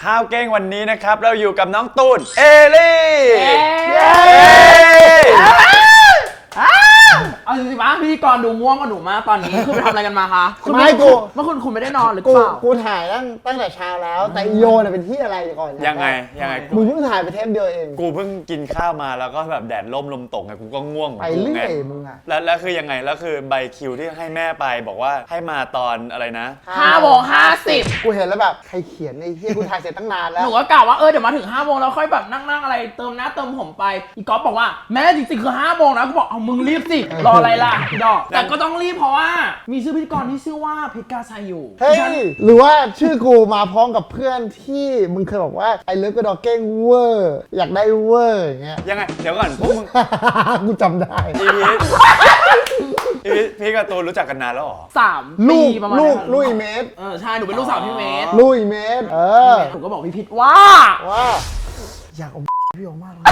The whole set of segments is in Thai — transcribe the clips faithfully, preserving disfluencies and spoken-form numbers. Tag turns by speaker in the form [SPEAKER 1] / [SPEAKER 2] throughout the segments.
[SPEAKER 1] ห้าวเก้งวันนี้นะครับเราอยู่กับน้องตูนเอลี่
[SPEAKER 2] เอาจริงๆป่ะพิธีกรดูง่วงกับหนูมากตอนนี้คือไปทำอะไรกันมาคะคุณ
[SPEAKER 3] ไม่กู
[SPEAKER 2] เมื่อคุณคุณไม่ได้นอนหรือเป
[SPEAKER 3] กู
[SPEAKER 2] ล่า
[SPEAKER 3] กูถ่ายตั้งตั้งแต่เช้าแล้วแต่อีโยน่ะเป็นที่อะไรก่อน
[SPEAKER 1] ยังไงยังไง
[SPEAKER 3] มึงเพิ่งถ่ายไปเทปเดียวเอง
[SPEAKER 1] กูเพิ่งกินข้าวมาแล้วก็แบบแดดร่มลมตกไงกูก็ง่วง
[SPEAKER 3] ไปเรื่อยมึงอะ
[SPEAKER 1] แล้วแล้วคือยังไงแล้วคือใบคิวที่ให้แม่ไปบอกว่าให้มาตอนอะไรนะ
[SPEAKER 2] ห้าโมงห้าสิบ
[SPEAKER 3] กูเห็นแล้วแบบใครเขียนไอ้ที่กูถ่ายเสร็จตั้งนานแล้
[SPEAKER 2] ห
[SPEAKER 3] ว
[SPEAKER 2] นูก็กล่าวว่าเออเดี๋ยวมาถึงห้าโมงแล้วค่อยแบบนั่งๆอะไรเติมหน้าเติมผมไปอีกก๊อฟบอกว่าแม่จริงๆคือห้าโมงนะกูบอกเอามึงรีบสิรออะไรล่ะดอกแต่ก็ต้องรีบเพราะว่ามีชื่อพิธีกรที่ชื่อว่าเพชรกาชัยอยู่
[SPEAKER 3] เฮ้ยหรือว่าชื่อกูมาพร้อมกับเพื่อนที่มึงเคยบอกว่าไอ้เลิฟกระดอกเก้งเวอร์อยากได้เวอร์อย่างเงี้ย
[SPEAKER 1] ยังไงเดี๋ยวก่อนพวกมึง
[SPEAKER 3] กูจำได้
[SPEAKER 1] อีพีอีพีพี่กับตูนรู้จักกันนานแล้วเหรอ
[SPEAKER 2] สาม
[SPEAKER 3] ลู
[SPEAKER 2] ปี
[SPEAKER 3] ก
[SPEAKER 2] ประมาณ
[SPEAKER 3] ลูก
[SPEAKER 2] นั้น
[SPEAKER 3] ลุยเมตร
[SPEAKER 2] เออใช่หนูเป็นลูกสาวพี่เมธ
[SPEAKER 3] ลุยเมตรเออ
[SPEAKER 2] หนูก็บอกพี่พิษว่า
[SPEAKER 3] ว่าอยากอมพี่โยมากเลย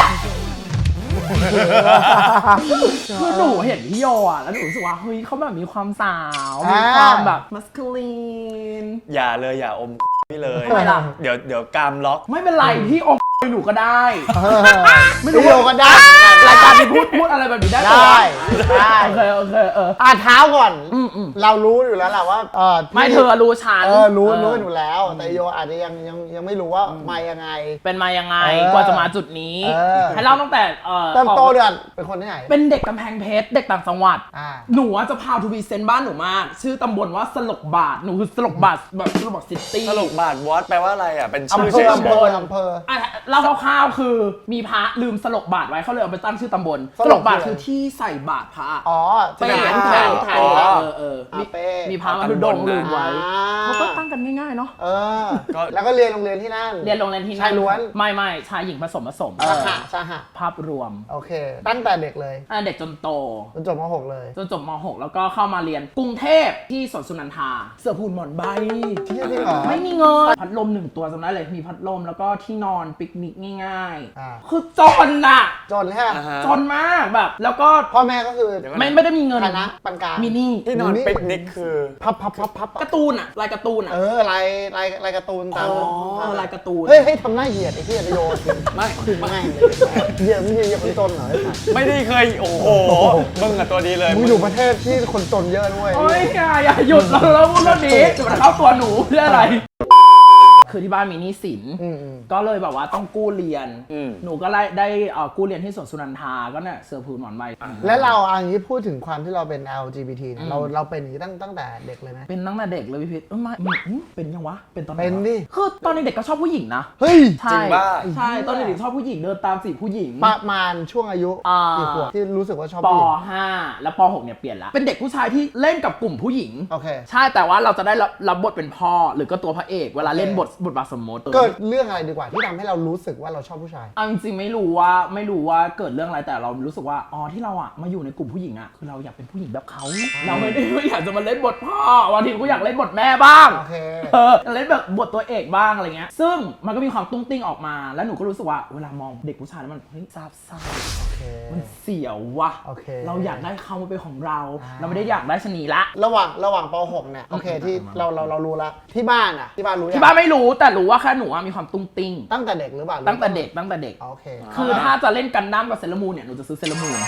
[SPEAKER 2] คือหนูเห็นพี่โยอ่ะแล้วหนูรู้สึกว่าเฮ้ยเขาแบบมีความสาวมีความแบบมัสคูลีน
[SPEAKER 1] อย่าเลยอย่าอมพี่เลย
[SPEAKER 2] ทำไมล่ะ
[SPEAKER 1] เดี๋ยวเดี๋ยวกามล็อก
[SPEAKER 2] ไม่เป็นไรพี่อมหนูก็ได้
[SPEAKER 3] ไม่รู้โยก็ได้
[SPEAKER 2] รายการนี้พูดพูดอะไรแบบนี้ได้
[SPEAKER 3] ได้ได้
[SPEAKER 2] โอเคโอเคเออ
[SPEAKER 3] อ่ะเท้าก่อน
[SPEAKER 2] อืมอืม
[SPEAKER 3] เรารู้อยู่แล้วแหละว่าเออที่
[SPEAKER 2] ไม่เธอรู้ฉัน
[SPEAKER 3] เออรู้รู้อยู่แล้ว แต่โยอาจจะยังยังยังไม่รู้ว่ามายังไง
[SPEAKER 2] เป็นมายังไง
[SPEAKER 3] เออก
[SPEAKER 2] ว่าจะมาจุดนี้
[SPEAKER 3] เออ
[SPEAKER 2] ให้เล่าตั้งแต่เออ
[SPEAKER 3] เริ่ม
[SPEAKER 2] ออก
[SPEAKER 3] โตเดือนเป็นคนที่ไหน
[SPEAKER 2] เป็นเด็กกำแพงเพชรเด็กต่างจังหวัด
[SPEAKER 3] อ่า
[SPEAKER 2] หนูอะจะพาทูบีเซนบ้านหนูมาก ชื่อตำบลว่าสลกบาทหนูคือสลกบาทแบบสลกบาทซิตี้
[SPEAKER 1] ตลกบาทวอตแปลว่าอะไรอ่ะเป็นชื่อ
[SPEAKER 3] อำเภ
[SPEAKER 1] เฉ
[SPEAKER 3] อย อำเภออำเภอ
[SPEAKER 2] อ่ะเล่าคร่าวๆคือมีพระลืมสลกบาทไว้เขาเลยเอาไปตั้งชื่อตำบล
[SPEAKER 3] ส
[SPEAKER 2] ส
[SPEAKER 3] ล
[SPEAKER 2] ล
[SPEAKER 3] ก
[SPEAKER 2] กบาท
[SPEAKER 3] คืออะไร
[SPEAKER 2] คือที่ใส่บาทพระ
[SPEAKER 3] อ๋อ
[SPEAKER 2] เป้
[SPEAKER 3] ที่
[SPEAKER 2] น
[SPEAKER 3] ไหน
[SPEAKER 2] แทน
[SPEAKER 3] แท
[SPEAKER 2] แท
[SPEAKER 3] น
[SPEAKER 2] น
[SPEAKER 3] อ๋อ
[SPEAKER 2] เออเออ
[SPEAKER 3] อ่า
[SPEAKER 2] มี
[SPEAKER 3] เป้
[SPEAKER 2] มีพระมาดูดงลืมไว้
[SPEAKER 3] อ่า
[SPEAKER 2] เขาก็ตั้งกันง่ายๆเนาะ
[SPEAKER 3] เออแล้วก็เรียนโรงเรียนที่นั่น
[SPEAKER 2] เรียนโรงเรียนที่
[SPEAKER 3] ชายล้วน
[SPEAKER 2] ไม่ไม่ชายหญิงผสมผสม
[SPEAKER 3] สหะสหะ
[SPEAKER 2] ภาพรวม
[SPEAKER 3] โอเค ตั้งแต่เด็กเลย
[SPEAKER 2] อ่ะเด็กจนโต
[SPEAKER 3] จนจบม .หก เลย
[SPEAKER 2] จนจบม .หก แล้วก็เข้ามาเรียนกรุงเทพที่สวนสุนันทา เสือผูนหมอนใบ
[SPEAKER 3] ที่จริงเหรอ
[SPEAKER 2] ไม่มีเงิน พัดลมหนึ่งตัวจำได้เลย มีพัดลมแล้วก็ที่นอนปิกนิกง่าย
[SPEAKER 3] อ่า
[SPEAKER 2] ๆ คือจนน่ะ
[SPEAKER 3] จนใช่ไหม
[SPEAKER 1] อ่าฮะ
[SPEAKER 2] จนมากแบบ แล้วก็
[SPEAKER 3] พ่อแม่ก็คือ
[SPEAKER 1] เดี๋ยวก่อน
[SPEAKER 2] ไม่ไม่ได้มีเงิน
[SPEAKER 3] ฐานะปานกลาง
[SPEAKER 2] มินี่
[SPEAKER 1] ที่นอน
[SPEAKER 3] นี่
[SPEAKER 1] ปิกนิกคือ
[SPEAKER 3] พับพับพับพับ
[SPEAKER 2] การ์ตูนอะลายการ์ตูนอะ
[SPEAKER 3] เออลายลายลายการ์ตูนตาม
[SPEAKER 2] อ๋อลายการ์ตูน
[SPEAKER 3] เฮ้ยให้ทำหน้าเหยียดไอ้ที่จะโยน
[SPEAKER 1] ไม่
[SPEAKER 3] คือไม่เลยเหยียดมึงเหยียดคนจนเหรอไอ้สัส
[SPEAKER 1] ไม่ได้เคยโอ้โหมึงอะตัวดีเลย
[SPEAKER 3] มึงอยู่ประเทศที่คนจนเยอะด้วย
[SPEAKER 2] โอ้ยอย่าอย่าหยุดแล้วแล้วพูดเรื่องนี้จะมาเข้าตัวหนูเพื่ออะไร คือที่บ้านมีหนี้สิน
[SPEAKER 3] อืมอืม
[SPEAKER 2] ก็เลยแบบว่าต้องกู้เรียน
[SPEAKER 1] อืม
[SPEAKER 2] หนูก็ได้ได้เอ่อกู้เรียนที่สวนสุนันทา ก็เนี่ยเสือผืนหมอนใบ
[SPEAKER 3] และเราอันนี้พูดถึงความที่เราเป็น แอล จี บี ที เนี่ยเราเราเป็นอย่างนี้ตั้งตั้งแต่เด็กเลยไหม
[SPEAKER 2] เป็นตั้งแต่เด็กเลยพี่พิษเอ้ยไม่ไม่อืมเป็นยังวะ เป็นตอนไหนวะ
[SPEAKER 3] เป็นดิ
[SPEAKER 2] คือตอนเด็กๆก็ชอบผู้หญิงนะ
[SPEAKER 3] เฮ้ย
[SPEAKER 2] ใช่
[SPEAKER 1] จริงป่ะ
[SPEAKER 2] ใช่ ตอนเด็กๆชอบผู้หญิงเดินตามจีบผู้หญิง
[SPEAKER 3] ประมาณช่วงอายุ
[SPEAKER 2] อ่า
[SPEAKER 3] กี่ขวบที่รู้สึกว่าชอบ
[SPEAKER 2] ป
[SPEAKER 3] ผู้หญิง
[SPEAKER 2] ห้าแล้วปหกเนี่ยเปลี่ยนละ เป็นเด็กผู้ชายที่เล่นกับกลุ่มผู้หญิง
[SPEAKER 3] โอเค
[SPEAKER 2] ใช่ แต่ว่าเราจะได้รับรับบทเป็นพ่อ หรือก็ตัวพระเอก เวลาเล่นบทบทบาทสมมติ
[SPEAKER 3] เกิดเรื่องอะไรดีกว่าที่ทำให้เรารู้สึกว่าเราชอบผู้ชาย
[SPEAKER 2] เอาจริงๆไม่รู้ว่าไม่รู้ว่าเกิดเรื่องอะไรแต่เรารู้สึกว่าอ๋อที่เราอ่ะมาอยู่ในกลุ่มผู้หญิงอ่ะคือเราอยากเป็นผู้หญิงแบบเขาเราไม่ได้ว่าอยากจะมาเล่นบทพ่อบางทีก็อยากเล่นบทแม่บ้าง
[SPEAKER 3] โอเค
[SPEAKER 2] เออเล่นแบบบทตัวเอกบ้างอะไรเงี้ยซึ่งมันก็มีความตุ้งติ้งออกมาแล้วหนูก็รู้สึกว่าเวลามองเด็กผู้ชายแล้วมันเฮ้ยซาบซ่า
[SPEAKER 3] โอเค
[SPEAKER 2] มันเสียววะ
[SPEAKER 3] โอเค
[SPEAKER 2] เราอยากได้เขามาเป็นของเรา
[SPEAKER 3] อ่า
[SPEAKER 2] เราไม่ได้อยากได้ชะนีละ
[SPEAKER 3] ระหว่างระหว่างป .หก เนี่ยโอเคที่เราเราเรารู้แล้วที่บ้านอ่ะที่บ้านรู้ยัง
[SPEAKER 2] ที่บ้านไม่รู้แต่รู้ว่าแค่หนูอะมีความตุ้งติ้ง
[SPEAKER 3] ตั้งแต่เด็กหรือเปล่า
[SPEAKER 2] ตั้งแต่เด็กตั้งแต่เด็ก
[SPEAKER 3] โอเค
[SPEAKER 2] คือถ้าจะเล่นกันดั้มกับเซเลอรามูนเนี่ยหนูจะซื้อเซเลอรามูน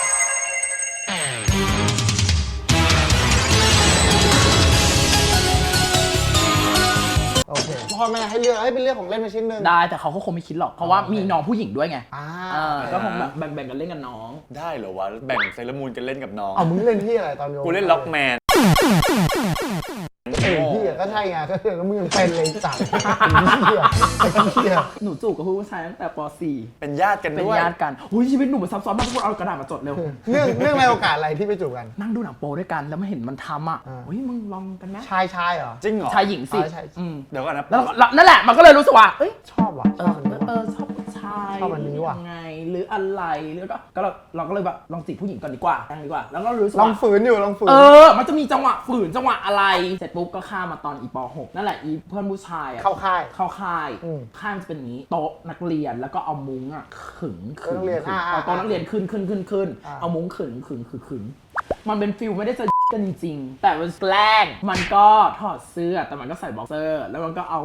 [SPEAKER 3] โอเคพ่อแม่ให้เลือกให้เป็นเรื่องของเล่นมาชิ้นหนึ่ง
[SPEAKER 2] ได้แต่เขาก็คงไม่คิดหรอกเพราะว่ามีน้องผู้หญิงด้วยไง
[SPEAKER 3] อ่า
[SPEAKER 2] เออก็คงแบบแบ่งๆกันเล่นกับน้อง
[SPEAKER 1] ได้เหรอวะแบ่งเซเลอรามูนกันเล่นกับน้อง
[SPEAKER 3] เอามึงเล่นที่อะไรตอนโย
[SPEAKER 1] กูเล่นล็อกแมน
[SPEAKER 3] เออพี่ก็ใช่ไงก็คือแล้วมึงยังเป็นเลยจัดเหี้ยไอ้เหี้ย
[SPEAKER 2] หนูจูบกับผู้ชายตั้งแต่ป .สี่
[SPEAKER 1] เป็นญาติกัน
[SPEAKER 2] เป็น
[SPEAKER 1] ด้วย
[SPEAKER 2] ญาติกันอุ้ยชีวิตหนูมันซับซ้อนมากทุกคนเอากระดาษมาจดเร็ว
[SPEAKER 3] เรื่องเรื่องในโอกาสอะไรที่ไปจูบกัน
[SPEAKER 2] นั่งดูหนังโป๊ด้วยกันแล้วมาเห็นมันทำอ่ะ
[SPEAKER 3] อ่า
[SPEAKER 2] เฮ้ยมึงลองกันไหม
[SPEAKER 3] ชายชายเหรอ
[SPEAKER 1] จริงเหรอ
[SPEAKER 2] ชายหญิงสิ
[SPEAKER 3] อ๋อใช่
[SPEAKER 2] อืม
[SPEAKER 1] เดี๋ยวก่อนนะ
[SPEAKER 2] แล้วแล้วนั่นแหละมันก็เลยรู้สึกว่าเอ้ย
[SPEAKER 3] ชอบว่ะ
[SPEAKER 2] เอ
[SPEAKER 3] ชอ
[SPEAKER 2] อบ
[SPEAKER 3] อันนี้ว่ะ
[SPEAKER 2] เออชอบผู้ชาย
[SPEAKER 3] ชอบอันนี้ว่ะ
[SPEAKER 2] ยังไงหรืออะไรหรือก็ก็เราเราก็เลยแบบลองจีบผู้หญิงก่อนดีกว่ายังดีกว่า แล้วก็รู้สึก
[SPEAKER 3] ลอง
[SPEAKER 2] ว่า
[SPEAKER 3] ฝืนอยู่ลองฝืน
[SPEAKER 2] เออ มันจะมีจังหวะฝืนจังหวะอะไร เสร็จปุ๊บก็ข้ามมาตอนอีป .หก นั่นแหละอีเพื่อนผู้ชายอะ
[SPEAKER 3] เข้าค่าย
[SPEAKER 2] เข้าค่าย
[SPEAKER 3] อืม
[SPEAKER 2] ค่ายมันจะเป็นอย่างนี้ โต๊ะนักเรียนแล้วก็เอามุ้งอ่ะขึงขึง
[SPEAKER 3] นักเรียน
[SPEAKER 2] ขึง
[SPEAKER 3] อ่า
[SPEAKER 2] เอาโต๊ะนักเรียนขึ้นขึ้นขึ้นขึ้น
[SPEAKER 3] อ่า
[SPEAKER 2] เอามุ้งขึงขึงขึงขึงมันเป็นฟิลไม่ได้จะ กันจริงๆแต่มันแกล้งมันก็ถอดเสื้อแต่มันก็ใส่บ็อกเซอร์แล้วมันก็เอา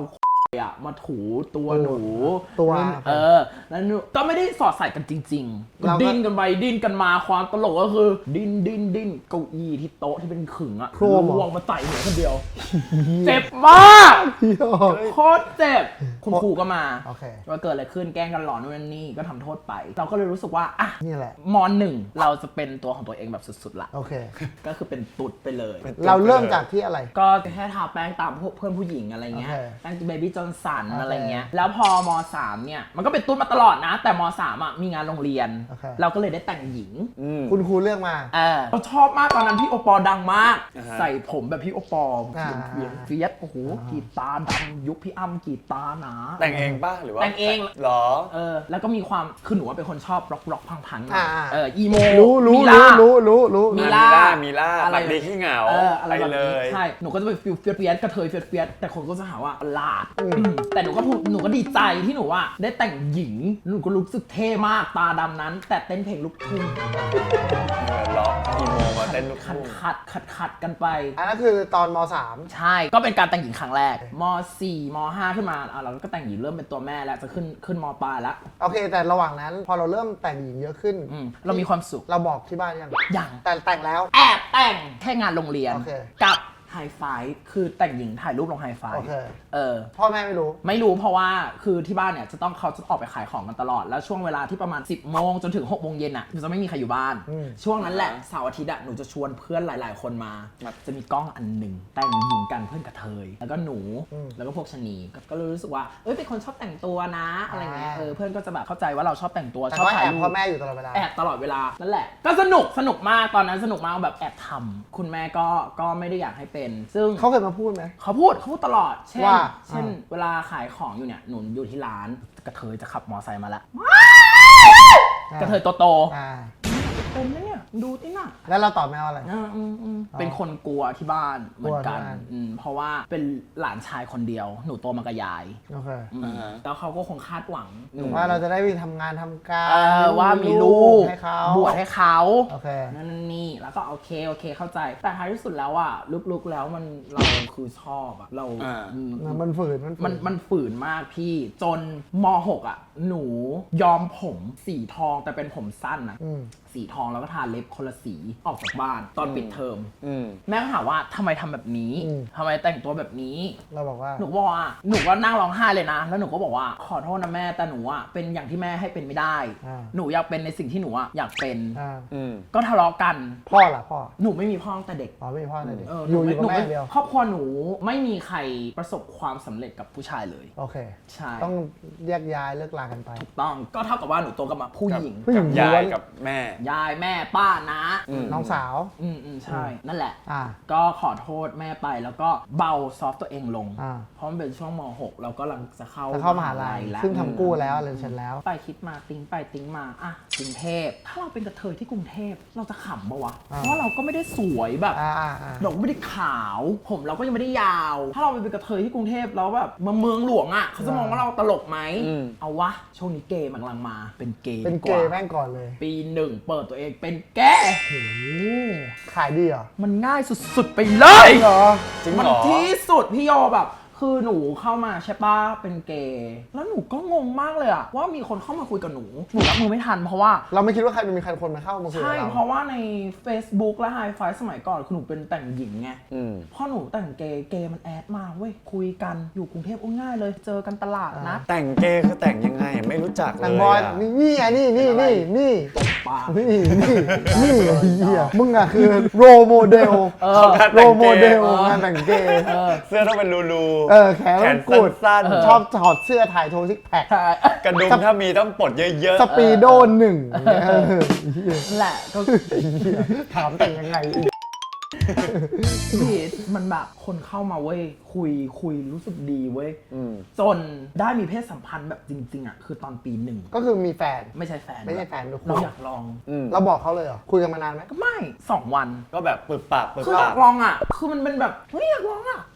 [SPEAKER 2] อะมาถูตัวหนู
[SPEAKER 3] ตัว
[SPEAKER 2] เออแล้วหนูก็ไม่ได้สอดใส่กันจริงๆก็
[SPEAKER 3] เราก็
[SPEAKER 2] ดิ้นกันไปดิ้นกันมาความตลกก็คือ ดิ้นดิ้นดิ้นเก้าอี้ที่โต๊ะที่เป็นขึงอะ
[SPEAKER 3] โครมเหรอ
[SPEAKER 2] ล่วงมาใส่หัวคนเดียว เจ็บมาก
[SPEAKER 3] พี่โอ
[SPEAKER 2] โคตรเจ็บคุณครูก็มา
[SPEAKER 3] โอเค
[SPEAKER 2] ว่าเกิดอะไรขึ้นแกล้งกันหลอนนู่นนนนี่ก็ทำโทษไป เราก็เลยรู้สึกว่าอ่ะ
[SPEAKER 3] นี่แหละ
[SPEAKER 2] มหนึ่งเราจะเป็นตัวของตัวเองแบบสุดๆละ
[SPEAKER 3] โอเค
[SPEAKER 2] ก็คือเป็นตุ๊ดไปเลย
[SPEAKER 3] เราเริ่มจากที่อะไร
[SPEAKER 2] ก็แค่ทาแป้งตามพวกเพื่อนผู้หญิงอะไรเงี้ย
[SPEAKER 3] โอเค
[SPEAKER 2] แป้งเบบี้จอนสัน
[SPEAKER 3] โอเค
[SPEAKER 2] อะไรเงี้ยแล้วพอมสามเนี่ยมันก็เป็นตุ๊ดมาตลอดนะ แต่มสามอ่ะมีงานโรงเรียน
[SPEAKER 3] โอเค
[SPEAKER 2] เราก็เลยได้แต่งหญิง
[SPEAKER 1] อืม
[SPEAKER 3] คุณครูเลือกมา
[SPEAKER 2] เออเราชอบมากตอนนั้นพี่โอปอล์ดังมาก
[SPEAKER 1] อ่าฮะ
[SPEAKER 2] ใส่ผมแบบพี่โอปอล์
[SPEAKER 3] อ่า
[SPEAKER 2] เวียนเฟียสโอ้โหกรีดตาดำยุคพี่อ้ำกรีดตาหนา
[SPEAKER 1] แต่งเองป่ะหรือว่า
[SPEAKER 2] แต่งเอง
[SPEAKER 1] หรอ
[SPEAKER 2] เออแล้วก็มีความคือหนูว่าเป็นคนชอบร็อกร็อกพังๆหน่อย
[SPEAKER 3] อ่า
[SPEAKER 2] เอออีโม
[SPEAKER 3] รู้รู้
[SPEAKER 2] มีล่า
[SPEAKER 3] รู้รู้รู้
[SPEAKER 2] มี
[SPEAKER 3] รู้
[SPEAKER 2] ล่า
[SPEAKER 1] มีล่า
[SPEAKER 2] อะไร
[SPEAKER 1] บักดีขี้เหงา
[SPEAKER 2] เอออะไรแบบ
[SPEAKER 1] ไปเล
[SPEAKER 2] นี้
[SPEAKER 1] ย
[SPEAKER 2] ใช่หนูก็จะไปฟิลเฟียสเฟียสกระเทยเฟียสเฟียสแต่คนก็จะหาว่าประหลาดแต่หนูก็พูดหนูก็ดีใจที่หนูว่าได้แต่งหญิงหนูก็รู้สึกเท่มากตาดำนั้น แต่เต้นเพลงลูกทุ่ง
[SPEAKER 1] เออล็อกอีโมมาเต้นลูก
[SPEAKER 2] ขัด
[SPEAKER 1] ทุ่ง
[SPEAKER 2] ขัดขัดขัดกันไป
[SPEAKER 3] อันนั้นคือตอนมสาม
[SPEAKER 2] ใช่ก็เป็นการแต่งหญิงครั้งแรกมสี่มห้าขึ้นมาอ่ะเราก็แต่งหญิงเริ่มเป็นตัวแม่แล้วจะขึ้นขึ้นมปลายแล้ว
[SPEAKER 3] โอเค แต่ระหว่างนั้น พอเราเริ่มแต่งหญิงเยอะขึ้น
[SPEAKER 2] อืมเรามีความสุข
[SPEAKER 3] เราบอกที่บ้านยัง
[SPEAKER 2] อย่าง
[SPEAKER 3] แต่แต่งแล้ว
[SPEAKER 2] แอบแต่งแค่งานโรงเรียน
[SPEAKER 3] โอเค
[SPEAKER 2] กับไฮไฟคือแต่งหญิงถ่ายรูปลงไฮไฟ
[SPEAKER 3] โอเค
[SPEAKER 2] เออ
[SPEAKER 3] พ่อแม่ไม่รู้
[SPEAKER 2] ไม่รู้เพราะว่าคือที่บ้านเนี่ยจะต้องเขาจะออกไปขายของกันตลอด แล้วช่วงเวลาที่ประมาณ สิบโมงจนถึงหกโมงเย็นอ่ะหนูจะไม่มีใครอยู่บ้าน
[SPEAKER 3] อืม
[SPEAKER 2] ช่วงนั้นแหละเสาร์อาทิตย์อ่ะหนูจะชวนเพื่อนหลาย ๆ คนมาจะมีกล้องอันหนึ่งแต่งหญิงกันเพื่อนกระเทยแล้วก็หนูแล้วก็พวกชะนีก็ก็เลยรู้สึกว่าเอ้ยเป็นคนชอบแต่งตัวนะอะไรเงี้ยเออเพื่อนก็จะแบบเข้าใจว่าเราชอบแต่งตัว
[SPEAKER 3] แต่
[SPEAKER 2] ชอบ
[SPEAKER 3] ก็
[SPEAKER 2] ถ่า
[SPEAKER 3] แอย บ
[SPEAKER 2] รู
[SPEAKER 3] พ่อ
[SPEAKER 2] ป
[SPEAKER 3] แม่อยู่ตลอดเวลา
[SPEAKER 2] แอบตลอดเวลา นั่นแหละ ก็สนุก สนุกมาก ตอนนั้นสนุกมากแบบแอบทำคุณแม่ก็ ก็ไม่ได้อยากให้เป็น ซึ่ง
[SPEAKER 3] เขาเคยมาพูดไหม
[SPEAKER 2] เขาพูด เขาพูดตลอด เช่น
[SPEAKER 3] ว่า
[SPEAKER 2] เช่น
[SPEAKER 3] อ่า
[SPEAKER 2] เวลาขายของอยู่เนี่ย หนูอยู่ที่ร้าน กระเทยจะขับมอไซค์มาละ กระเทยโต
[SPEAKER 3] อ่า
[SPEAKER 2] ๆเป็นนะเนี่ย ดูติน่ะ
[SPEAKER 3] แล้วเราตอบแม่ว่าอะไร
[SPEAKER 2] อืมอืมอืมเป็นคนกลัวที่บ้านเหมือนกัน
[SPEAKER 3] กลัวที่บ้าน
[SPEAKER 2] อืมเพราะว่าเป็นหลานชายคนเดียว หนูโตมากับยาย
[SPEAKER 3] โอเค
[SPEAKER 2] อืม
[SPEAKER 1] อ่าฮะ
[SPEAKER 2] แล้วเขาก็คงคาดหวังหนู
[SPEAKER 3] ว่าเราจะได้ไปทำงานทำการ
[SPEAKER 2] เออว่ามีลูก
[SPEAKER 3] ให้เขา
[SPEAKER 2] บวชให้เขา
[SPEAKER 3] โอเค
[SPEAKER 2] นั่นนี่แล้วก็โอเคโอเคเข้าใจ แต่ท้ายที่สุดแล้วอ่ะลึกๆแล้วมันเราคือชอบอ่ะเรา
[SPEAKER 1] อ่า
[SPEAKER 2] อืม
[SPEAKER 3] มันฝืนมันฝื
[SPEAKER 2] มันมันฝืนมากพี่จนม หกอ่ะ หนูยอมผมสีทองแต่เป็นผมสั้นนะ
[SPEAKER 3] อืม
[SPEAKER 2] สีทองแล้วก็ทาเล็บคนละสีออกจากบ้านตอนปิดเทอม
[SPEAKER 1] อืม
[SPEAKER 2] แม่ก็ถามว่าทำไมทำแบบนี้
[SPEAKER 3] อืม
[SPEAKER 2] ทำไมแต่งตัวแบบนี้
[SPEAKER 3] เราบอกว่า
[SPEAKER 2] หนูก็บอกว่าหนูก็นั่งร้องไห้เลยนะ แล้วหนูก็บอกว่าขอโทษนะแม่แต่หนูอะเป็นอย่างที่แม่ให้เป็นไม่ได้
[SPEAKER 3] อ่า
[SPEAKER 2] หนูอยากเป็นในสิ่งที่หนูอะอยากเป็น
[SPEAKER 3] อ่า
[SPEAKER 1] อืม
[SPEAKER 2] ก็ทะเลาะกัน
[SPEAKER 3] พ่อล่ะพ่อ
[SPEAKER 2] หนูไม่มีพ่อตั้งแต่เด็ก
[SPEAKER 3] อ๋อไม่มีพ่อเลยดิ
[SPEAKER 2] เออ
[SPEAKER 3] อ
[SPEAKER 2] หนู
[SPEAKER 3] ยู่อยู่กับ
[SPEAKER 2] หนู
[SPEAKER 3] แม่เดียว
[SPEAKER 2] ครอบครัวหนูไม่มีใครประสบความสำเร็จกับผู้ชายเลย
[SPEAKER 3] โอเค
[SPEAKER 2] ใช่
[SPEAKER 3] ต้องแยกย้ายเลิกลากันไป
[SPEAKER 2] ถูกต้องก็เท่ากับว่าหนูโตกับมาผู้หญิง
[SPEAKER 3] ผู้หญิง
[SPEAKER 1] ยา
[SPEAKER 3] ล้วย น
[SPEAKER 1] กับแม่
[SPEAKER 2] ยายแม่ป้านะ
[SPEAKER 1] อืม
[SPEAKER 3] น้องสาว
[SPEAKER 2] อืมอืมใช่นั่นแหละ
[SPEAKER 3] อ่า
[SPEAKER 2] ก็ขอโทษแม่ไปแล้วก็เบาซอฟต์ตัวเองลง
[SPEAKER 3] อ่า
[SPEAKER 2] เพราะมันเป็นช่วงม หกเราก็กำลังจะเข้า
[SPEAKER 3] จะเข้ามหาลัย
[SPEAKER 2] แล้ว
[SPEAKER 3] ซึ่งทำกู้แล้วเรียนเสร็จแล้ว
[SPEAKER 2] ไปคิดมาติ้งไปติ้งมาอ่ะกรุงเทพถ้าเราเป็นกระเทยที่กรุงเทพเราจะขำปะวะ
[SPEAKER 3] อ่า
[SPEAKER 2] เพราะเราก็ไม่ได้สวยแบบ
[SPEAKER 3] อ่าอ่าอ่า
[SPEAKER 2] เราก็ไม่ได้ขาว ผมเราก็ยังไม่ได้ยาว ถ้าเราไปเป็นกระเทยที่กรุงเทพแล้วแบบมาเมืองหลวงอ่ะเขาจะมองว่าเราตลกไหม
[SPEAKER 1] อืม
[SPEAKER 2] เอาวะช่วงนี้เกย์มันกำลังมาเป็นเกย์
[SPEAKER 3] เป็น
[SPEAKER 2] ดี
[SPEAKER 3] เก
[SPEAKER 2] ว่า
[SPEAKER 3] ย์แม่งก่อนเลย
[SPEAKER 2] ปีหนึ่งเปิดตัวเองเป็นแกย์
[SPEAKER 3] โอ้โหขายดีเหรอ
[SPEAKER 2] มันง่ายสุดๆไปเลย
[SPEAKER 3] เหรอ
[SPEAKER 1] จริง
[SPEAKER 2] มัน
[SPEAKER 1] เหรอ
[SPEAKER 2] ที่สุดพี่โยแบบ คือหนูเข้ามาใช่ปะเป็นเกย์แล้วหนูก็งงมากเลยอะว่ามีคนเข้ามาคุยกับหนูหนูรับมือไม่ทันเพราะว่า
[SPEAKER 3] เราไม่คิดว่าใครมีใครคนมาเข้ามาคุยกับ
[SPEAKER 2] ใช่
[SPEAKER 3] เรา
[SPEAKER 2] เพราะว่าใน Facebook และ High Five สมัยก่อนคือหนูเป็นแต่งหญิงไง
[SPEAKER 1] อืม
[SPEAKER 2] พอหนูแต่งเกย์เกย์มันแอดมาเว้ยคุยกันอยู่กรุงเทพง่ายเลยเจอกันตลาดนะ
[SPEAKER 1] แต่งเกย์คือแต่งยังไงไม่รู้จักเล
[SPEAKER 3] แต่
[SPEAKER 1] ย
[SPEAKER 3] บอย
[SPEAKER 1] อะ
[SPEAKER 3] นี่นี่ไงนี่นี่นี่นี่
[SPEAKER 2] ปาก
[SPEAKER 3] นี่นี่นี่ไอ้เหี้ยมึงอะคือโรโมเดล
[SPEAKER 2] เออ
[SPEAKER 3] โรโมเดลงานแต่งเกย์
[SPEAKER 2] เออ
[SPEAKER 1] เสื้อต้องเป็นรูรู
[SPEAKER 3] เออแขน
[SPEAKER 1] แข
[SPEAKER 3] ต้อน ง
[SPEAKER 1] สั้
[SPEAKER 3] กุด
[SPEAKER 1] น
[SPEAKER 3] ชอบถอดเสื้อถ่ายโชว์ซิกแพค
[SPEAKER 2] ใช่
[SPEAKER 1] ๆกระดุมถ้ามีต้องปลดเยอะ
[SPEAKER 3] สปีโดหนึ่งเออ
[SPEAKER 2] นั่นแหละก็
[SPEAKER 3] ถามแต่งยังไงอีก
[SPEAKER 2] พี่มันแบบคนเข้ามาเว้ยคุยคุยรู้สึกดีเว้ย
[SPEAKER 1] ๆอืม
[SPEAKER 2] จนได้มีเพศสัมพันธ์แบบจริงๆอ่ะคือตอนปีหนึ่ง
[SPEAKER 3] ก็คือมีแฟน
[SPEAKER 2] ไม่ใช่แฟน
[SPEAKER 3] ไม่ใช่แฟนด้วย
[SPEAKER 2] เราอยากลอง
[SPEAKER 1] อืม
[SPEAKER 3] เราบอกเขาเลยเหรอคุยกันมานานไหม
[SPEAKER 2] ก็ไม่สองวัน
[SPEAKER 1] ก็แบบปึกปากปึก
[SPEAKER 2] คืออ
[SPEAKER 1] ปาย
[SPEAKER 2] าก กลองอ่ะ คือมันเป็นแบบเฮ้ยอยากลองอ่ะน่าลอง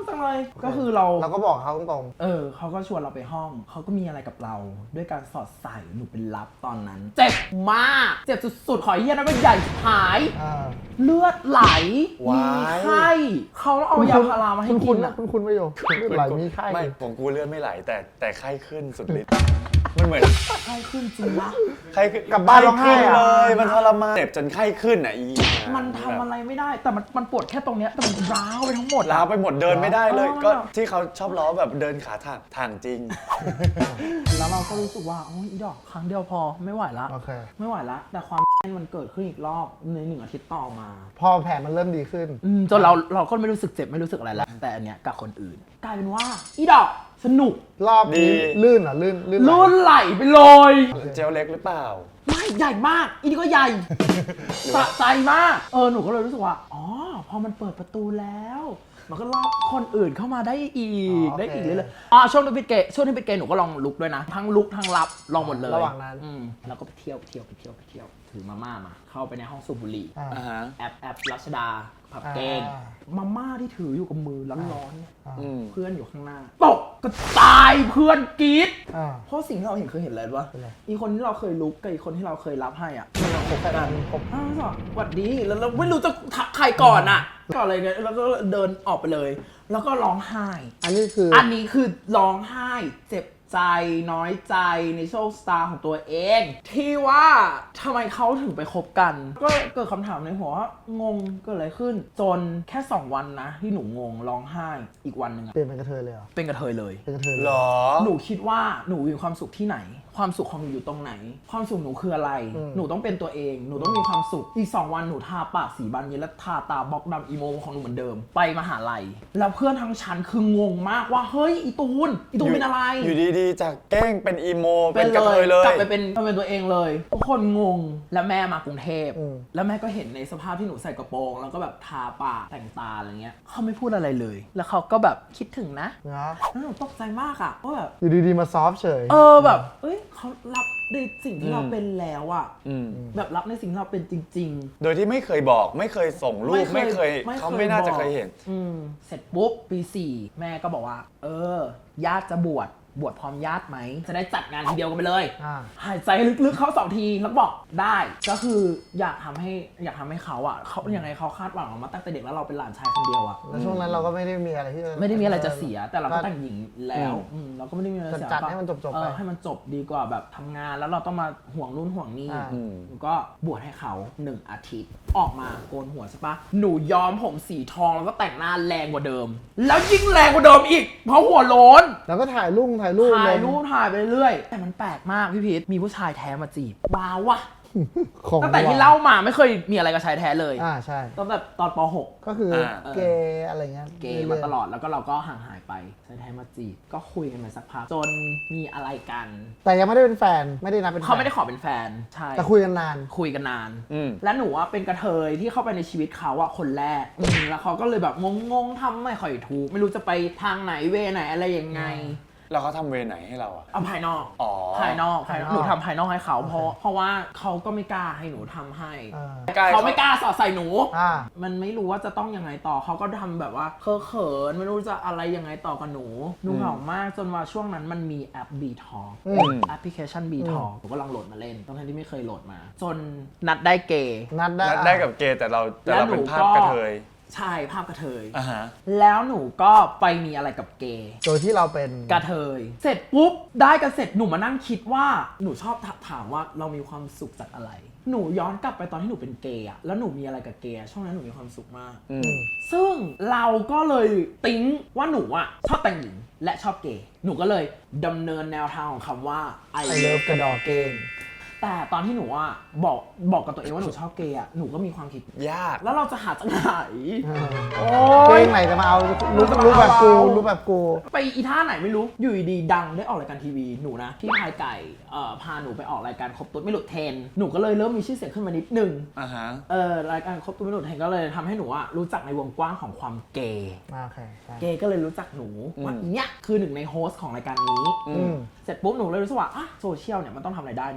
[SPEAKER 2] จังเลยก็คือเรา
[SPEAKER 3] เราก็บอกเขาตรง
[SPEAKER 2] เออเขาก็ชวนเราไปห้องเขาก็มีอะไรกับเรา ด้วยการสอดใส่หนูเป็นลับตอนนั้น เจ็บมากเจ็บสุดๆขอเฮียนั้นเป็นใหญ่หาย
[SPEAKER 3] ๆอ่า
[SPEAKER 2] เลือดไหล
[SPEAKER 1] ว้า
[SPEAKER 2] มี
[SPEAKER 1] ย
[SPEAKER 2] ไข้เขาต้องเอายาพารามาให้
[SPEAKER 3] คุณ
[SPEAKER 2] กิ
[SPEAKER 3] คุณ
[SPEAKER 2] น
[SPEAKER 3] นะ
[SPEAKER 2] อะ
[SPEAKER 3] คุณคุณประโยคเลือดไหลมีไข้
[SPEAKER 1] ไม่ของกูเลือดไม่ไหลแต่แต่ไข้ขึ้นสุดฤทธิ์มันเหมือน
[SPEAKER 2] ไข้ขึ้นจริงนะ
[SPEAKER 1] ไข้ขึ้น
[SPEAKER 3] กลับบ้านร้องไห้
[SPEAKER 1] ขึ้น
[SPEAKER 3] อะ
[SPEAKER 1] เลยมันทรมานเจ็บจนไข้ขึ้นอ่ะอี
[SPEAKER 2] มันทำอะไรไม่ได้แต่มันมันปวดแค่ตรงเนี้ยแต่มันร้าวไปทั้งหมดอะ
[SPEAKER 1] ล้าวไปหมดเดินไม่ได้เลย
[SPEAKER 2] เออ
[SPEAKER 1] ก็ที่เขาชอบล้อแบบเดินขาทางทางจริง
[SPEAKER 2] แล้วเราก็รู้สึกว่าโอ้ยอีดอกครั้งเดียวพอไม่ไหวละ
[SPEAKER 3] โอเค
[SPEAKER 2] ไม่ไหวละแต่ความมันเกิดขึ้นอีกรอบในหนึ่งอาทิตย์ต่อมา
[SPEAKER 3] พอแผลมันเริ่มดีขึ้น
[SPEAKER 2] อืมจนเราเราก็ไม่รู้สึกเจ็บไม่รู้สึกอะไรแล้วแต่อันเนี้ยกับคนอื่น กลายเป็นว่าอีดอกสนุก
[SPEAKER 3] รอบนี้
[SPEAKER 1] ดี
[SPEAKER 3] ลื่นเหรอลื่นลื่นไหล
[SPEAKER 2] ลื่นไหลไปเลย
[SPEAKER 1] เจลเล็กหรือเปล่า
[SPEAKER 2] ไม่ใหญ่มาก อีนี่ก็ใหญ่ สะใจมาก เออหนูก็เลยรู้สึกว่า อ๋อ พอมันเปิดประตูแล้ว มันก็ล่อคนอื่นเข้ามาได้อีก ได้อีกเลยเลยๆอ๋อช่วงที่เป็นเกย์ช่วงที่เป็นเกย์หนูก็ลองลุกด้วยนะ ทั้งลุกทั้งรับลองหมดเลย
[SPEAKER 3] ระหว่างนั้น
[SPEAKER 2] อืมแล้วก็ไปเที่ยวไปเที่ยวไปเที่ยวไปเที่ยวถือมาม่ามา เข้าไปในห้องสูบบุหรี่
[SPEAKER 3] อ่า
[SPEAKER 1] อ่าฮะ
[SPEAKER 2] แอปแอปรัชดาผับเกง
[SPEAKER 3] อ่า
[SPEAKER 2] มาม่าที่ถืออยู่กับมือร้อนๆเนี่ย
[SPEAKER 3] อ่า
[SPEAKER 1] อืม
[SPEAKER 2] เพื่อนอยู่ข้างหน้าตกกระจายเพื่อนกรี๊ด
[SPEAKER 3] อ่า
[SPEAKER 2] เพราะสิ่งที่เราเห็นเคยเห็นอะไรวะ
[SPEAKER 3] เป็นไร
[SPEAKER 2] อีคนที่เราเคยลุกกับอีคนที่เราเคยรับให้อ่ะ
[SPEAKER 3] คบกันคบ
[SPEAKER 2] อ้าวสวัสดีแล้วเราไม่รู้จะทักใครก่อนอ่ะก่อนอะไรเนี่ยแล้วก็เดินออกไปเลย แล้วก็ร้องไห้
[SPEAKER 3] อันนี้คือ
[SPEAKER 2] อันนี้คือร้องไห้ เจ็บใจน้อยใจในโชคชะตาของตัวเอง ที่ว่าทำไมเขาถึงไปคบกัน ก็เกิดคำถามในหัวว่างงเกิดอะไรขึ้น จนแค่สองวันนะ ที่หนูงงร้องไห้อีกวันหนึ่งอะ
[SPEAKER 3] เปลี่ยนเป็นกระเทยเลยเหรอ
[SPEAKER 2] เป็นกระเทยเลย
[SPEAKER 3] เป็นกระเทยเลย
[SPEAKER 1] หรอ
[SPEAKER 2] หนูคิดว่าหนูมีความสุขที่ไหน ความสุขของหนูอยู่ตรงไหน ความสุขหนูคืออะไร หนูต้องเป็นตัวเอง หนูต้องมีความสุข อีกสองวันหนูทาปากสีบานเย็นและทาตาบล็อกดำอีโมของหนูเหมือนเดิม ไปมหาลัย แล้วเพื่อนทั้งชั้นคืองงมากว่าเฮ้ยอีตูน อีตูนเป็นอะไร
[SPEAKER 1] อยู่ดีๆ จากแกล้งเป็นอีโม เป็นกระเทยเลย
[SPEAKER 2] กลับไปเป็นเป็นตัวเองเลย ทุกคนงง แล้วแม่มากรุงเทพ แล้วแม่ก็เห็นในสภาพที่หนูใส่กระโปรง แล้วก็แบบทาปากแต่งตาอะไรเงี้ยเขาไม่พูดอะไรเลย แล้วเขาก็แบบคิดถึงนะ
[SPEAKER 3] นะ
[SPEAKER 2] แล้วหนูตกใจมากอะว่าแบบ
[SPEAKER 3] อยู่ดีๆมาซอฟต์เฉย
[SPEAKER 2] เออแบบ เอ้ยเขารับในสิ่งที่เราเป็นแล้วอะ
[SPEAKER 1] อืม
[SPEAKER 2] แบบรับในสิ่งที่เราเป็นจริง
[SPEAKER 1] โดยที่ไม่เคยบอก ไม่เคยส่ง
[SPEAKER 2] ๆ
[SPEAKER 1] รูป ไม่เคย เขาไม่น่าจะเคยเห็น
[SPEAKER 2] อืมเสร็จปุ๊บปีสี่แม่ก็บอกว่า เออ ญาติจะบวช บวชพร้อมญาติไหม จะได้จัดงานทีเดียวกันไปเลย
[SPEAKER 3] อ่า
[SPEAKER 2] หายใจลึกๆเข้าสองทีแล้วก็บอกได้ ก็คืออยากทำให้อยากทำให้เขาอะเขายังไงเขาคาดหวังเรามาตั้งแต่เด็กแล้วเราเป็นหลานชายคนเดียวอะ
[SPEAKER 3] แล้วช่วงนั้นเราก็ไม่ได้มีอะไรที่จะ
[SPEAKER 2] ไม่ได้มีอะไรจะเสียแต่เราก็
[SPEAKER 3] ก็
[SPEAKER 2] แต่งหญิงแล้วอืมเราก็ไม่ได้มีอะไรเสีย
[SPEAKER 3] จัดๆให้มันจบๆ
[SPEAKER 2] เอ
[SPEAKER 3] ไป
[SPEAKER 2] อให้มันจบดีกว่าแบบทำงานแล้วเราต้องมาห่วงนู่นห่วงนี่
[SPEAKER 3] อ่า
[SPEAKER 2] หนูก็บวชให้เขาหนึ่งอาทิตย์ออกมาโกนหัวใช่ปะหนูย้อมผมสีทองแล้วก็แต่งหน้าแรงกว่าเดิม แล้วยิ่งแรงกว่าเดิมอีกเพราะหัวโล้น
[SPEAKER 3] แล้วก็ถ่ายรูปถ่ายรูป
[SPEAKER 2] ถ่าย
[SPEAKER 3] ลง
[SPEAKER 2] รูปถ่ายไปเรื่อยแต่มันแปลกมากพี่พีทมีผู้ชายแท้มาจีบว้าววะ
[SPEAKER 3] ของ
[SPEAKER 2] ตั้งแต่ที่เล่ามาไม่เคยมีอะไรกับชายแท้เลย
[SPEAKER 3] อ่าใช่
[SPEAKER 2] ตั้งแต่ตอนป หก
[SPEAKER 3] ก็คือ
[SPEAKER 1] อ่า
[SPEAKER 3] เกย์อะไรเงี้ย
[SPEAKER 2] เกย์มาตลอดแล้วก็เราก็ห่างหายไปชายแท้มาจีบก็คุยกันมาสักพักจนมีอะไรกัน
[SPEAKER 3] แต่ยังไม่ได้เป็นแฟนไม่ได้นับเป็นแฟน
[SPEAKER 2] เขาไม่ได้ขอเป็นแฟนใช่
[SPEAKER 3] แต่คุยกันนาน
[SPEAKER 2] คุยกันนาน
[SPEAKER 1] อืม
[SPEAKER 2] และหนูว่าเป็นกระเทยที่เข้าไปในชีวิตเขาอะคนแรกอืมแล้วเขาก็เลยแบบงงๆทำไม่ค่อยถูกไม่รู้จะไปทางไหนเวไหนอะไรยังไง
[SPEAKER 1] แล้วเขาทำเวรไหนให้เราอ่ะ
[SPEAKER 2] เอาภายนอก
[SPEAKER 1] อ๋อ
[SPEAKER 2] ภายนอกภายนอก
[SPEAKER 3] ภายนอก
[SPEAKER 2] หนูทำภายนอกให้เขาเพราะเพราะว่าเขาก็ไม่กล้าให้หนูทำให้
[SPEAKER 3] อ่า
[SPEAKER 1] กล้า
[SPEAKER 2] เขาไม่กล้าสอดใส่หนู
[SPEAKER 3] อ่า
[SPEAKER 2] มันไม่รู้ว่าจะต้องยังไงต่อเขาก็ทำแบบว่าเคอะเขินไม่รู้จะอะไรยังไงต่อกับหนูหนูเหงามากจนว่าช่วงนั้นมันมีแอป B Talk
[SPEAKER 3] อืม
[SPEAKER 2] แอปพลิเคชัน B Talk ผมก็ลองโหลดมาเล่นตอนที่ไม่เคยโหลดมา จนนัดได้เกย์
[SPEAKER 3] นัดได้
[SPEAKER 1] นัดได้กับเกย์แต่เราแต่เราเป็นภาพกระเทย
[SPEAKER 2] ใช่ภาพกระเทย
[SPEAKER 1] อ่าฮะ
[SPEAKER 2] แล้วหนูก็ไปมีอะไรกับเกย์
[SPEAKER 3] โดยที่เราเป็น
[SPEAKER 2] กระเทย เสร็จปุ๊บได้กันเสร็จหนูมานั่งคิดว่าหนูชอบถามว่าเรามีความสุขจากอะไร หนูย้อนกลับไปตอนที่หนูเป็นเกย์อะแล้วหนูมีอะไรกับเกย์อะช่วงนั้นหนูมีความสุขมาก
[SPEAKER 1] อืม
[SPEAKER 2] ซึ่งเราก็เลยติ้งว่าหนูอะชอบแต่งหญิงและชอบเกย์หนูก็เลยดำเนินแนวทางของคำว่า I
[SPEAKER 3] ไอเลิฟ
[SPEAKER 2] love
[SPEAKER 3] กระดอกเกง
[SPEAKER 2] แต่ตอนที่หนูอะบอกบอกกับตัวเองว่าหนูชอบเกย์อะหนูก็มีความคิด
[SPEAKER 1] ยาก
[SPEAKER 2] แล้วเราจะหาจากไหน โอ้
[SPEAKER 3] เก
[SPEAKER 2] ย
[SPEAKER 3] งไหนจะมาเอารูป
[SPEAKER 2] จะมา
[SPEAKER 3] รูปแบบกู
[SPEAKER 2] เอา
[SPEAKER 3] รูปแบบกู
[SPEAKER 2] ไปอีท่าไหนไม่รู้ อยู่ดีๆดังได้ออกรายการทีวีหนูนะพี่พายไก่เอ่อพาหนูไปออกรายการครบตุ๊ดไม่หลุดเทรนด์หนูก็เลยเริ่มมีชื่อเสียงขึ้นมานิดนึง
[SPEAKER 1] อ่าฮะ
[SPEAKER 2] เออรายการครบตุ๊ดไม่หลุดเทรนด์ก็เลยทำให้หนูอะรู้จักในวงกว้างของความเกย์
[SPEAKER 3] มาโอเคใช่
[SPEAKER 2] เกย์ก็เลยรู้จักหนูว่า
[SPEAKER 1] อืม
[SPEAKER 2] เนี่ยคือหนึ่งในโฮสต์ของรายการนี้
[SPEAKER 1] อื
[SPEAKER 3] อื
[SPEAKER 1] ม
[SPEAKER 3] ม
[SPEAKER 2] เสร็จปุ๊บหนูเลยรู้สึกว่าอ่ะโซเชียลเนี่ยมันต้องทำอะไรได้หนูเลยเปิด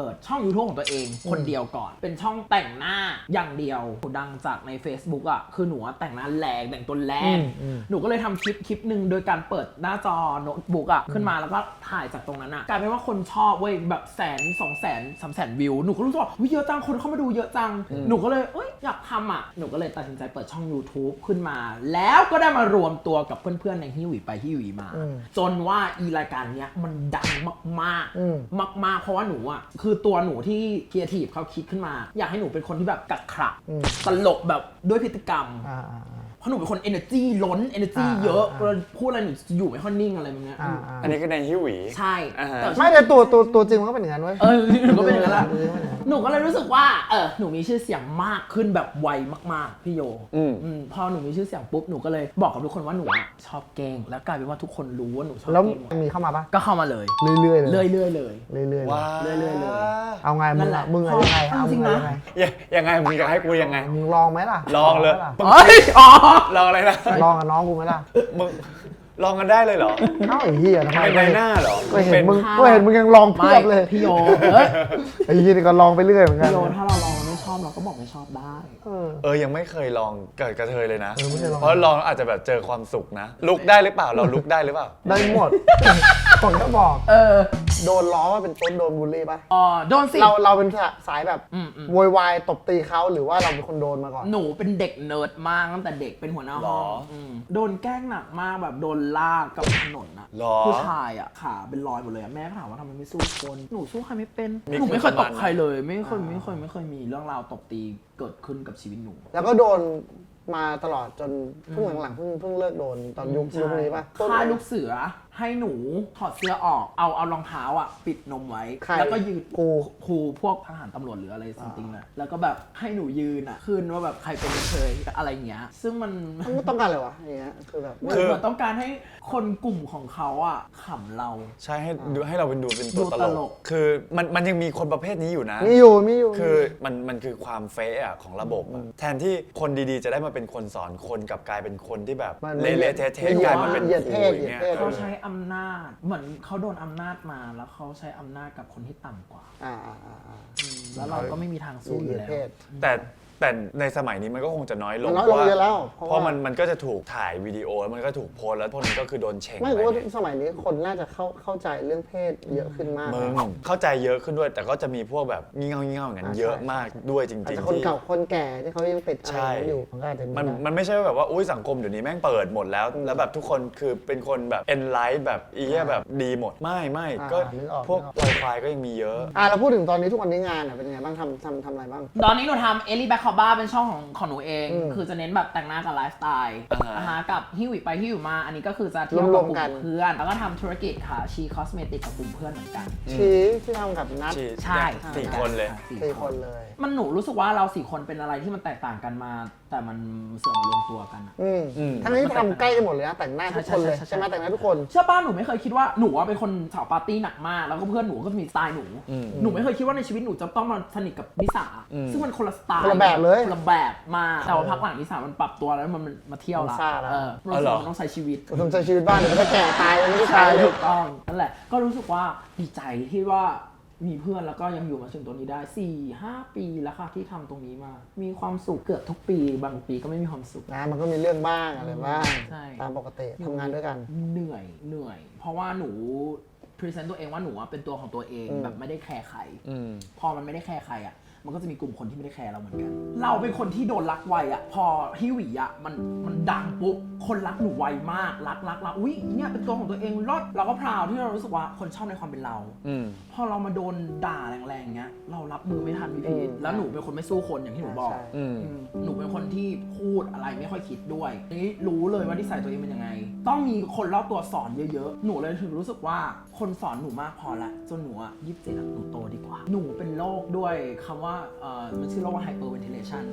[SPEAKER 2] ดช่อง YouTube ของตัวเองคนเดียวก่อนเป็นช่องแต่งหน้าอย่างเดียวดังจากใน Facebook อ่ะคือหนูแต่งหน้าแรงแต่งตัวแรงหนูก็เลยทำคลิปคลิปหนึ่งโดยการเปิดหน้าจอโน้ตบุ๊กอ่ะขึ้นมาแล้วก็ถ่ายจากตรงนั้นอ่ะกลายเป็นว่าคนชอบเว้ยแบบแสนสองแสนสามแสนวิวหนูก็รู้สึกว่าเยอะจังคนเข้ามาดูเยอะจังหนูก็เลยเอ้ยอยากทำอ่ะหนูก็เลยตัดสินใจเปิดช่อง YouTube ขึ้นมาแล้วก็ได้มารวมตัวกับเพื่อนๆในฮิวิไปฮิวิมาจนว่าอีรายการเนี้ยมันดังมากๆมากๆเพราะว่าหนูอ่ะคือตัวหนูที่ครีเอทีฟเขาคิดขึ้นมาอยากให้หนูเป็นคนที่แบบกักขระตลกแบบด้วยพฤติกรรมเพราะหนูเป็นคน energy ล้น energy เยอะเวลาพูดอะไรหนูอยู่ไม่ค่อยนิ่งอะไรแบบนี้
[SPEAKER 1] อันนี้ก็ในฮิวหวี
[SPEAKER 2] ใช่แต่
[SPEAKER 3] ไม่แต่ตัวตัวตัวจริงมันก็เป็นอย่างนั้นเว้ย
[SPEAKER 2] เออหนูก็เป็นอย่างนั้นแหละหนูก็เลยรู้สึกว่าเออหนูมีชื่อเสียงมากขึ้นแบบไวมากๆพี่โยพอหนูมีชื่อเสียงปุ๊บหนูก็เลยบอกกับทุกคนว่าหนูชอบเก่งแล้วกลายเป็นว่าทุกคนรู้ว่าหนูชอบเก่งแล้ว
[SPEAKER 3] มีเข้ามาปะ
[SPEAKER 2] ก็เข้ามาเลย
[SPEAKER 3] เรื่อยๆเลย
[SPEAKER 2] เรื่อยๆเลย
[SPEAKER 3] เรื่อยๆเลย
[SPEAKER 2] เรื่อยๆเลย
[SPEAKER 3] เอาไงมึงมึงยังไงเอาจริงนะ
[SPEAKER 1] ยังไงมึงจะให้กูยังไง
[SPEAKER 3] มึงลองไหมล่ะ
[SPEAKER 1] ลองเลย
[SPEAKER 2] เฮ้ยอ๋อ
[SPEAKER 1] ลองอะไรนะ
[SPEAKER 3] ลองกับน้องกูไหมล่ะ
[SPEAKER 1] มึงลองกันได้เลยเหรอ
[SPEAKER 3] เอ้าไอ้เหี้ยทำไม
[SPEAKER 1] เป็นหน้าเหรอ
[SPEAKER 3] ก็เห็นมึงก็เห็นมึงยังลองเพียบเลย
[SPEAKER 2] พี่โยเอ้ย
[SPEAKER 3] ไอ้เหี้ยนี่ก็ลองไปเรื่อยเหมือนกัน
[SPEAKER 2] พี่โยถ้าเราลองไม่ชอบเราก็บอกไม่ชอบได้
[SPEAKER 1] เออยังไม่เคยลองเกิดกระเทยเลยนะเพราะลองอาจจะแบบเจอความสุขนะลุกได้หรือเปล่าเราลุกได้หรือเปล่า
[SPEAKER 3] ได้หมดคนก็บอก
[SPEAKER 2] เออ
[SPEAKER 3] โดนล้อว่าเป็นต้นโดนบูลลี่ป่ะ
[SPEAKER 2] อ๋อโดนสิ
[SPEAKER 3] เราเราเป็นสายแบบโวยวายตบตีเขาหรือว่าเราเป็นคนโดนมาก่อน
[SPEAKER 2] หนูเป็นเด็กเนิร์ดมากตั้งแต่เด็กเป็นหัวหน้าห้องโดนแกล้งหนักมากแบบโดนลากกับถนนอะผู้ชายอะขาเป็นรอยหมดเลยแม่ถามว่าทำไมไม่สู้คนหนูสู้ใครไม่เป็นหนูไม่เคยตบใครเลยไม่เคยไม่เคยไม่เคยมีเรื่องราวตบตีเกิดขึ้นกับชีวิตหนู
[SPEAKER 3] แล้วก็โดนมาตลอดจนเพิ่งหลังๆเพิ่งเพิ่งเลิกโดนตอนยุคยุคนี้ป่ะ
[SPEAKER 2] ค่ายลูกเสือให้หนูถอดเสื้อออกเอาเอารองเท้าอ่ะปิดนมไว้แล้วก็ยืนครูครูพวกทหารตำรวจหรืออะไรสักอย่างน่ะแล้วก็แบบให้หนูยืนอ่ะขึ้นว่าแบบใครเป็นเคยอะไรเงี้ยซึ่งมัน
[SPEAKER 3] มันต้องการอะไรวะอย่างเงี้ยคือแบบ
[SPEAKER 2] คือต้องการให้คนกลุ่มของเขาอ่ะขำเรา
[SPEAKER 1] ใช่ให้ดูให้เราเป็นดูเป็นตัวตลกคือมันมันยังมีคนประเภทนี้อยู่นะ
[SPEAKER 3] มีอยู่มีอยู่
[SPEAKER 1] คือมันมันคือความเฟะอ่ะของระบบแทนที่คนดีๆจะได้มาเป็นคนสอนคนกับกลายเป็นคนที่แบบเละๆเทะๆกลายมาเป็นครูอย่างเงี้ย
[SPEAKER 2] เขาใช้อำนาจเหมือนเขาโดนอำนาจมาแล้วเขาใช้อำนาจกับคนที่ต่ำกว่า
[SPEAKER 3] อ่า
[SPEAKER 2] แล้วเราก็ไม่มีทางสู้อยู่แล้ว
[SPEAKER 1] แต่แต่ในสมัยนี้มันก็คงจะน้อยลง
[SPEAKER 3] น้อยลงเยอะแล้ว
[SPEAKER 1] เพราะมันมันก็จะถูกถ่ายวิดีโอแล้วมันก็ถูกโพสแล้วพวกนั้นก็คือโดนเช็ค
[SPEAKER 3] ไม่รู้ว่าสมัยนี้คนน่าจะเข้าเข้าใจเรื่องเพศเยอะขึ้นมาก
[SPEAKER 1] มึงเข้าใจเยอะขึ้นด้วยแต่ก็จะมีพวกแบบงี่เง่างี่เง่าอย่างนั้นเยอะมากด้วยจริง
[SPEAKER 3] ๆคนเก่าคนแก่ที่เขายังติดอะไรอยู่
[SPEAKER 1] มันมันไม่ใช่แบบว่าอุ้ยสังคมเดี๋ยวนี้แม่งเปิดหมดแล้วแล้วแบบทุกคนคือเป็นคนแบบเอ็นไลท์แบบอีเหี้ยแบบดีหมดไม่ไม่ก็พวกลอยควายก็ยังมีเยอะ
[SPEAKER 3] อ่ะเราพูดถึงตอนนี้ทุกวันนี้งานเป็นยังไงบ้างทำทำทำอะไรบ้าง
[SPEAKER 2] ตอนนี้หนูทำเอลลี่แบ็คคอบ้าเป็นช่องของของหนูเองคือจะเน้นแบบแต่งหน้ากับไลฟ์สไตล์นะคะกับฮิวิไปฮิวิมาอันนี้ก็คือจะเที่ยวกับกลุ่มเพื่อนแล้วก็ทำธุรกิจค่ะชีคอสเมติกกับกลุ่มเพื่อนเหมือนกัน
[SPEAKER 3] ชีที่ทำกับนัท
[SPEAKER 2] ใช่
[SPEAKER 1] สี่คนเลย
[SPEAKER 3] สี่คนเลย
[SPEAKER 2] มันหนูรู้สึกว่าเราสี่คนเป็นอะไรที่มันแตกต่างกันมาแต่มันเสื่อมรวมตัวกันอ่ะ
[SPEAKER 3] ทั้งนี้ทำใกล้กันหมดเลยนะแต่งหน้าทุกคนเลยใช่ไหมแต่งหน้าทุกคน
[SPEAKER 2] เชื่อป้าหนูไม่เคยคิดว่าหนูว่าเป็นคนสาวปาร์ตี้หนักมากแล้วก็เพื่อนหนูก็มีสไตล์หนูหนูไม่เคยคิดว่าในชีวิตหนูจะต้องมาสนิทกับนิสาซึ่งมันคนละสไตล์
[SPEAKER 3] คนละแบบเลย
[SPEAKER 2] คนละแบบมาแต่ว่าพักหลังนิสามันปรับตัวแล้วมันมาเที่ยวละเออเราต้องใช้ชีวิต
[SPEAKER 3] ต้องใช้ชีวิตบ้านเดี๋ยวจะแก่ตายไม่ได้
[SPEAKER 2] ใช่ถูกต้องนั่นแหละก็รู้สึกว่าดีใจที่ว่ามีเพื่อนแล้วก็ยังอยู่มาถึงตรงนี้ได้ สี่ห้า ปีแล้วค่ะที่ทำตรงนี้มามีความสุขเกือบทุกปีบางปีก็ไม่มีความสุข
[SPEAKER 3] นะมันก็มีเรื่องบ้างอะไรบ้างตามปกติทำงานด้วยกัน
[SPEAKER 2] เหนื่อยเหนื่อยเพราะว่าหนูพรีเซนต์ตัวเองว่าหนูเป็นตัวของตัวเองแบบไม่ได้แคร์ใครพอมันไม่ได้แคร์ใครอ่ะมันก็จะมีกลุ่มคนที่ไม่ได้แคร์เราเหมือนกันเราเป็นคนที่โดนรักไวอ่ะพอฮิวิอ่ะมันมันดังปุ๊บคนรักหนูไวมากรักรักรักอุ้ยเนี่ยเป็นตัวของตัวเองรอดเราก็พราวที่เรารู้สึกว่าคนชอบในความเป็นเราพอเรามาโดนด่าแรงๆเงี้ยเรารับมือไม่ทันพี่พีทแล้วหนูเป็นคนไม่สู้คนอย่างที่หนูบอกหนูเป็นคนที่พูดอะไรไม่ค่อยคิดด้วยนี่รู้เลยว่านิสัยตัวเองเป็นยังไงต้องมีคนรอบตัวสอนเยอะๆหนูเลยถึงรู้สึกว่าคนสอนหนูมากพอละจนหนูอ่ะยี่สิบเจ็ดหนูโตดีกว่าหนูเป็นโรคด้วยคำว่าเอ่อมันชื่อโรคว่า hyperventilation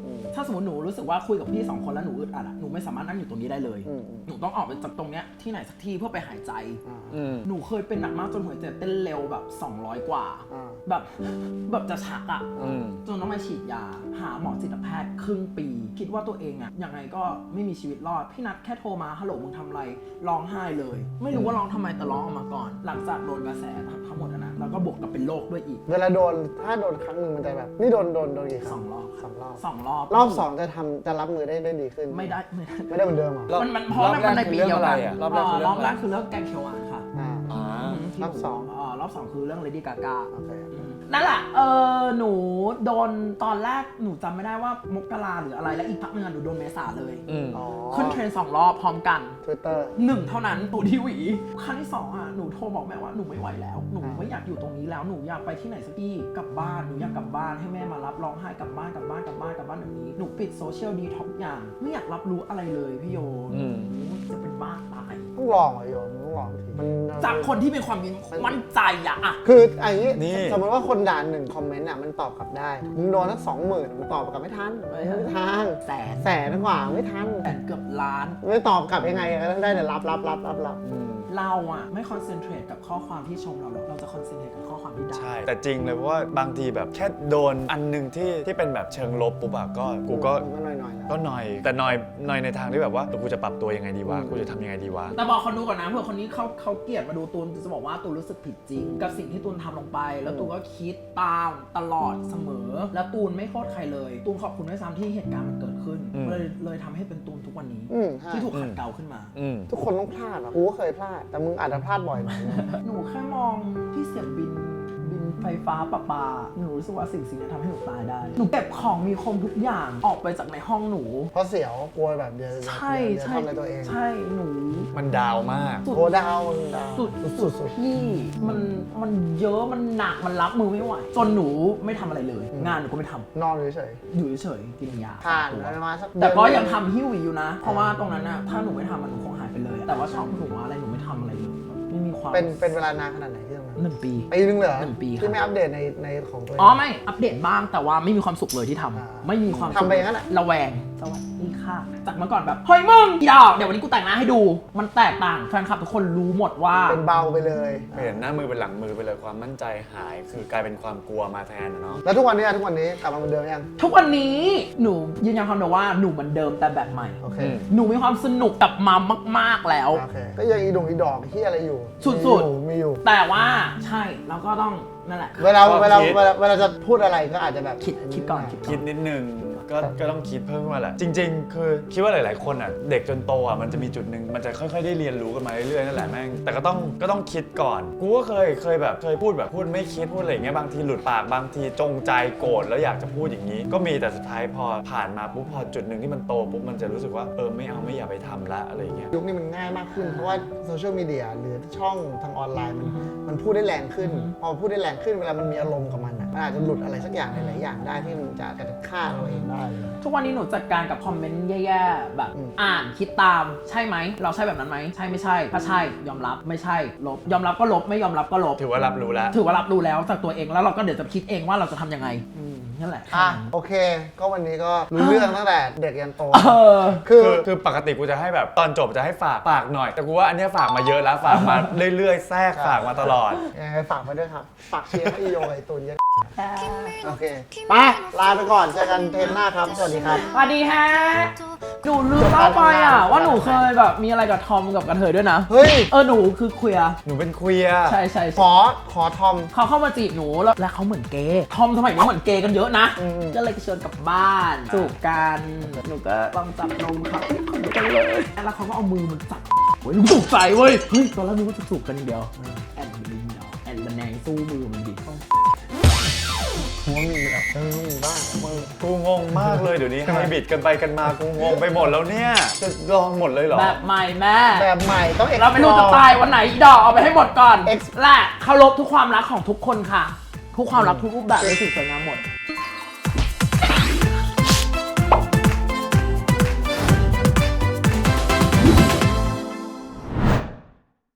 [SPEAKER 2] ถ้าสมมติหนูรู้สึกว่าคุยกับพี่สองคนแล้วหนูอึดอัดอะหนูไม่สามารถนั่งอยู่ตรงนี้ได้เลย หนูต้องออกไปจากตรงเนี้ยที่ไหนสักที่เพื่อไปหายใจหนูเคยเป็นหนักมากจนหัวใจเต้นเร็วแบบสองร้อยกว่าแบบแบบจะชักอะจนต้องมาฉีดยาหาหมอจิตแพทย์ครึ่งปีคิดว่าตัวเองอะยังไงก็ไม่มีชีวิตรอดพี่นัทแค่โทรมาฮัลโหลมึงทำอะไรร้องไห้เลยไม่รู้ว่าร้องทำไมแต่ร้องออกมาก่อนหลังจากโดนกระแสทั้งหมดนะแล้วก็บวกกับเป็นโรคด้วยอีก
[SPEAKER 3] เวลาโดนถ้าโดนครั้งหนึ่งมันจะแบบนี่โดนโดนโดนกี่ครั้ง
[SPEAKER 2] สองรอบ
[SPEAKER 3] สองรอบ
[SPEAKER 2] สองรอบ
[SPEAKER 3] รอบสองจะทำจะรับมือได้ได้ดีขึ้น
[SPEAKER 2] ไม่ได้ไม่ได้
[SPEAKER 3] ไม่ได้เหมือนเดิมหรอ
[SPEAKER 2] มันมันเพราะมันเป็นในปีเดียวกัน
[SPEAKER 1] รอบแรกคือเรื่องอะไรอะ
[SPEAKER 2] รอบแรกคือเรื่องแกงเขียวหวานค่ะ
[SPEAKER 3] รอบสอง
[SPEAKER 2] อ่ารอบสองคือเรื่อง Lady Gaga
[SPEAKER 3] โอเค
[SPEAKER 2] นั่นแหละเออหนูโดนตอนแรกหนูจำไม่ได้ว่ามกราหรืออะไรแล้วอีกพักหนึงอะหนูโดนเมษาเลยขึ้นเทรนด์สองรอบพร้อมกัน
[SPEAKER 3] Twitter
[SPEAKER 2] หนึ่งเท่านั้นตูที่หวีครั้งที่สองอ่ะหนูโทรบอกแม่ว่าหนูไม่ไหวแล้วหนูไม่อยากอยู่ตรงนี้แล้วหนูอยากไปที่ไหนสักที่กลับบ้านหนูอยากกลับบ้านให้แม่มารับร้องไห้กลับบ้านกลับบ้านกลับบ้านกลับบ้านแบบนี้หนูปิดโซเชียลดีท็อกอย่างไม่อยากรับรู้อะไรเลยพี่โยจะเป็นบ้าตาย
[SPEAKER 3] ต้องลองเหรอโยมต้องลองทีมัน
[SPEAKER 2] จากคนที่เป็นความมั่นใจอะอะ
[SPEAKER 3] คือไอ้นี้
[SPEAKER 1] นี่
[SPEAKER 3] สมมติว่าคนด่าหนึ่งคอมเมนต์อ่ะมันตอบกลับได้มึงโดนสักสองหมื่นมึงตอบกลับไม่ทันไม่ทัน
[SPEAKER 2] แสน
[SPEAKER 3] แสนกว่าไม่ทัน
[SPEAKER 2] แสนเกือบล้าน
[SPEAKER 3] ไม่ตอบกลับยังไงก็ได้แต่รับรับรับรับรับ
[SPEAKER 2] เราอะไม่คอนเซนเทรตกับข้อความที่ชมเราหรอกเราจะคอนเซนเทรตกับข้อความที่ด่า
[SPEAKER 1] ใช่แต่จริงเลยเพราะว่าบางทีแบบแค่โดนอันหนึงที่ที่เป็นแบบเชิงลบปุ๊บอะก็กูก็
[SPEAKER 3] ก็หน่อยหน่อย
[SPEAKER 1] ก็หน่อยแต่หน่อยหน่อยในทางที่แบบว่ากูจะปรับตัวยังไงดีวะกูจะทำยังไงดีวะ
[SPEAKER 2] แต่บอกคนดูก่อนนะเผื่อคนนี้เขาเขาเกลียดมาดูตูนจะบอกว่าตูนรู้สึกผิดจริง กับสิ่งที่ตูนทำลงไป แล้วตูนก็คิดตามตลอดเสมอ แล้วตูนไม่โทษใครเลยตูนขอบคุณด้วยซ้ำที่เหตุการณ์มันเกิดขึ้นเลยเลยทำให้เป็นตูนทุกวันนี้ที่ถูกขัดเกลาขึ้นมา
[SPEAKER 3] ทุกคนต้องพลาดอ่ะกูก็เคยพลาดแต่มึงอาจจะพลาดบ่อยหน่อย
[SPEAKER 2] หนูแค่มองที่เสียบบินบินไฟฟ้าประปาหนูรู้สึกว่าสิ่งสิ่งนี้ทำให้หนูตายได้หนูเก็บของมีคมทุกอย่างออกไปจากในห้องหนู
[SPEAKER 3] เพราะเสียวกลัวแบบเดียว
[SPEAKER 2] ใช่
[SPEAKER 3] เดี๋ยว
[SPEAKER 2] ใช่
[SPEAKER 3] ทำอะไรตัวเอง
[SPEAKER 2] ใช่หนู
[SPEAKER 1] มันดาวมาก
[SPEAKER 3] โคดาวดาว
[SPEAKER 2] สุด
[SPEAKER 3] สุดสุด
[SPEAKER 2] พี่มันมันเยอะมันหนักมันรับมือไม่ไหวจนหนูไม่ทำอะไรเลย งานหนูก็ไม่ทำ
[SPEAKER 3] นอนเฉย
[SPEAKER 2] อยู่เฉยๆกินยา
[SPEAKER 3] ๆผ่านอะไรมาสัก
[SPEAKER 2] แต่ก็ยังทำหิ้วอยู่นะ เพราะว่าตรงนั้นน่ะถ้าหนูไม่ทำมันหนูคงหายไปเลย แต่ว่าช่องหนูอะไรหนูไม่ทำอะไรเลยไม่มีความ
[SPEAKER 3] เป็นเป็นเวลานานขนาดไหนที่ตรงนั้น
[SPEAKER 2] หนึ่งปี
[SPEAKER 3] ปีนึงเหรอ
[SPEAKER 2] หนึ่งปีครับ
[SPEAKER 3] ที่ไม่อัปเดตในในของตัวเอง
[SPEAKER 2] อ๋อไม่อัปเดตบ้างแต่ว่าไม่มีความสุขเลยที่ทำ
[SPEAKER 3] อ่า
[SPEAKER 2] ไม่มีความสุข
[SPEAKER 3] ทำไปอย่างนั้นแหละ
[SPEAKER 2] ระแวงสวัสดีค่ะจากเมื่อก่อนแบบเฮ้ยมึงอีดอกเดี๋ยววันนี้กูแต่งหน้าให้ดู มันแตกต่างแฟนคลับทุกคนรู้หมดว่า
[SPEAKER 3] เป็นเบาไปเลย
[SPEAKER 1] เปลี่ยนหน้ามือเป็นหลังมือไปเลยความมั่นใจหาย คือกลายเป็นความกลัวมาแทนอะเนาะ
[SPEAKER 3] แล้วทุกวันนี้อะทุกวันนี้กลับมาเหมือนเดิมยัง
[SPEAKER 2] ทุกวันนี้หนูยืนยันคำเดิมว่าหนูเหมือนเดิมแต่แบบใหม่
[SPEAKER 3] โอเค
[SPEAKER 2] หนูมีความสนุกกลับมามาก ๆแล้ว
[SPEAKER 3] โอเคก็ยังอีดงอีดอกที่อะไรอยู่
[SPEAKER 2] สุดๆ
[SPEAKER 3] มีอยู่มีอยู่
[SPEAKER 2] แต่ว่าใช่เราก็ต้องนั่นแหละ
[SPEAKER 3] เวลา
[SPEAKER 1] ก็
[SPEAKER 3] เวลา
[SPEAKER 1] คิด
[SPEAKER 3] เวลาเวลาจะพูดอะไรก็อาจจะแบบ
[SPEAKER 2] คิดคิดก่อนคิด
[SPEAKER 1] คิดนิดนึงก็ก็ต้องคิดเพิ่มขึ้นมาแหละจริง ๆ คือคิดว่าหลาย ๆ คนอ่ะเด็กจนโตอ่ะมันจะมีจุดหนึ่งมันจะค่อย ๆ ได้เรียนรู้กันมาเรื่อย ๆ นั่นแหละแม่งแต่ก็ต้องก็ต้องคิดก่อนกูก็เคยเคยแบบเคยพูดแบบพูดไม่คิดพูดอะไรอย่างเงี้ยบางทีหลุดปากบางทีจงใจโกรธแล้วอยากจะพูดอย่างนี้ ก็มีแต่สุดท้ายพอผ่านมาปุ๊บพอจุดหนึ่งที่มันโตปุ๊บมันจะรู้สึกว่าเออไม่เอาไม่อยากไปทำละอะไรอย่างเงี้ย
[SPEAKER 3] ยุคนี้มันง่ายมากขึ้น เพราะว่าโซเชียลมีเดียหรือช่องทางออนไลน์มันมันพูดได้แรงขึ้น พอพูดได้แรงขึ้นเวลามันมีอารมณ์กับมันอ่ะมันอาจจะหลุดอะไรสักอย่างหลายๆอย่างได้ที่มันจะจะฆ่าเราเองได้เลย
[SPEAKER 2] ทุกวันนี้หนูจัดการกับคอมเมนต์แย่ๆแบบ
[SPEAKER 3] อืม
[SPEAKER 2] อ่านคิดตามใช่ไหมเราใช่แบบนั้นไหมใช่ไม่ใช่ถ้าใช่ยอมรับไม่ใช่ลบยอมรับก็ลบไม่ยอมรับก็ลบ
[SPEAKER 1] ถือว่ารับรู้แล้ว
[SPEAKER 2] ถือว่ารับรู้แล้วจากตัวเองแล้วเราก็เดี๋ยวจะคิดเองว่าเราจะทำยังไงอืมนั่นแหละ
[SPEAKER 3] อ่ะโอเค ก็วันนี้ก็รู้เรื่องตั้งแต่เด็กยันโต
[SPEAKER 2] เออ
[SPEAKER 3] คือ
[SPEAKER 1] คือคือปกติกูจะให้แบบตอนจบจะให้ฝากฝากหน่อย แต่กูว่าอันเนี้ยฝากมาเยอะแล้วฝากมาเรื่อยๆแทรกฝากมาตลอด
[SPEAKER 3] ยังไงฝากมาด้วยครับ ฝากเชียร์ให้โยไอตุนเยอะโอเคไปลาไปก่อนเจอกันเทปหน้าครับ สวัสดีครับ
[SPEAKER 2] สวัสดีฮะหนูลืมเล่าไปอ่ะว่าหนูเคยแบบมีอะไรกับทอมกับกระเทยด้วยนะ
[SPEAKER 3] เฮ้ย
[SPEAKER 2] เออหนูคือเคลียร์
[SPEAKER 1] หนูเป็นเคลียร์
[SPEAKER 2] ใช่ใช่
[SPEAKER 3] ข
[SPEAKER 2] ใช่
[SPEAKER 3] อขอทอม
[SPEAKER 2] เขาเข้ามาจีบหนูแล้วแล้วเขาเหมือนเกย์ทอมสมัยนี้เหมือนเกย์กันเยอะนะ
[SPEAKER 3] อืม
[SPEAKER 2] ก็เลยชวนกลับบ้านจูบกันหนูก็ลองจับนมเขาขนกันเลยแล้วเขาก็เอามือมันจับโอ้ยหนูตกใจเว้ยเฮ้ยตอนแรกนึกว่าจะจูบกันอย่างเดียวแอนมันดีเนาะแอนระแนงสู้มือมันดิ
[SPEAKER 3] หัวมีแบบเออมีบ้างมือ
[SPEAKER 1] กูงงมากเลยเดี๋ยวนี้ไฮบริดกันไปกันมากูงงไปหมดแล้วเนี่ยจะลองหมดเลยเหรอ
[SPEAKER 2] แบบใหม่แม่
[SPEAKER 3] แบบใหม่ต้อง
[SPEAKER 2] เราไม่รู้จะตายวันไหนอีดอกเอาไปให้หมดก่อน
[SPEAKER 3] Ex
[SPEAKER 2] และเคารพทุกความรักของทุกคนค่ะ ทุกความรักทุกรูปแบบในสิ่งสวยงามหมด